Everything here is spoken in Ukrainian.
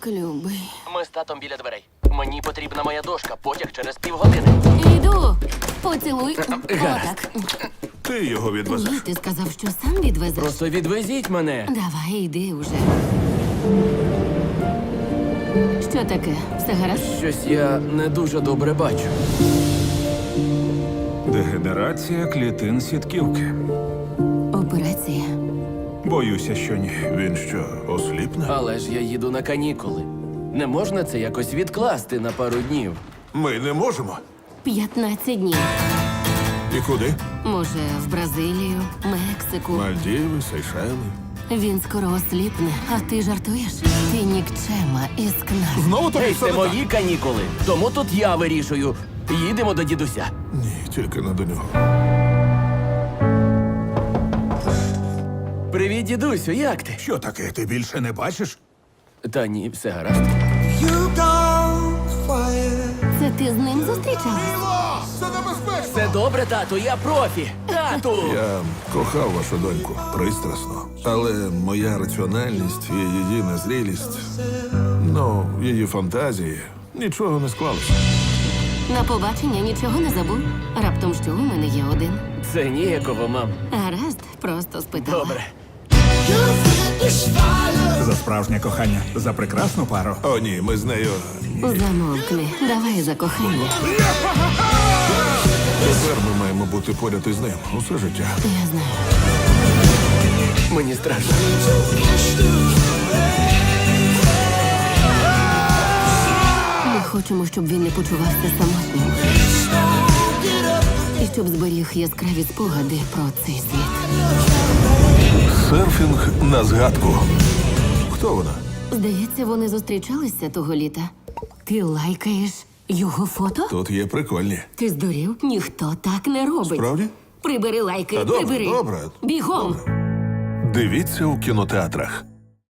Так, любий. Ми з татом біля дверей. Мені потрібна моя дошка, потяг через півгодини. Іду. Поцілуй. Отак. Ти його Ні, відвезеш. ти сказав, що сам відвезеш. Просто відвезіть мене. Давай, йди уже. Що таке? Все гаразд? Щось я не дуже добре бачу. Дегенерація клітин сітківки. Операція. Боюся, що ні. Він що, осліпне? Але ж я їду на канікули. Не можна це якось відкласти на пару днів. Ми не можемо. 15 днів. І куди? Може, в Бразилію, Мексику. Мальдіви, Сейшели. Він скоро осліпне, а ти жартуєш? Ти нікчема і скна. Знову тобі Ей, все це не так? мої канікули. Тому тут я вирішую. Їдемо до дідуся. Ні, тільки не до нього. Привіт, дідусю, як ти? Що таке? Ти більше не бачиш? Та ні, все гаразд. Це ти з ним зустрічалась? Це небезпечно! Все добре, тату, я профі. Тату! Я кохав вашу доньку пристрасно, але моя раціональність і її незрілість, її фантазії, нічого не склалося. На побачення нічого не забув? Раптом що у мене є один? Це ніяково, мам. Гаразд, просто спитала. Добре. За справжнє кохання, за прекрасну пару. О, ні, ми з нею. Замовкни, давай за кохання. Тепер ми маємо бути поряд із ним усе життя. Я знаю. Мені страшно. Ми хочемо, щоб він не почувався самотнім. І щоб зберіг яскраві спогади про цей світ. Серфінг на згадку. Хто вона? Здається, вони зустрічалися того літа. Ти лайкаєш його фото? Тут є прикольні. Ти здурів? Ніхто так не робить. Справді? Прибери лайки, Та добре, прибери. добре. Бігом. Дивіться у кінотеатрах.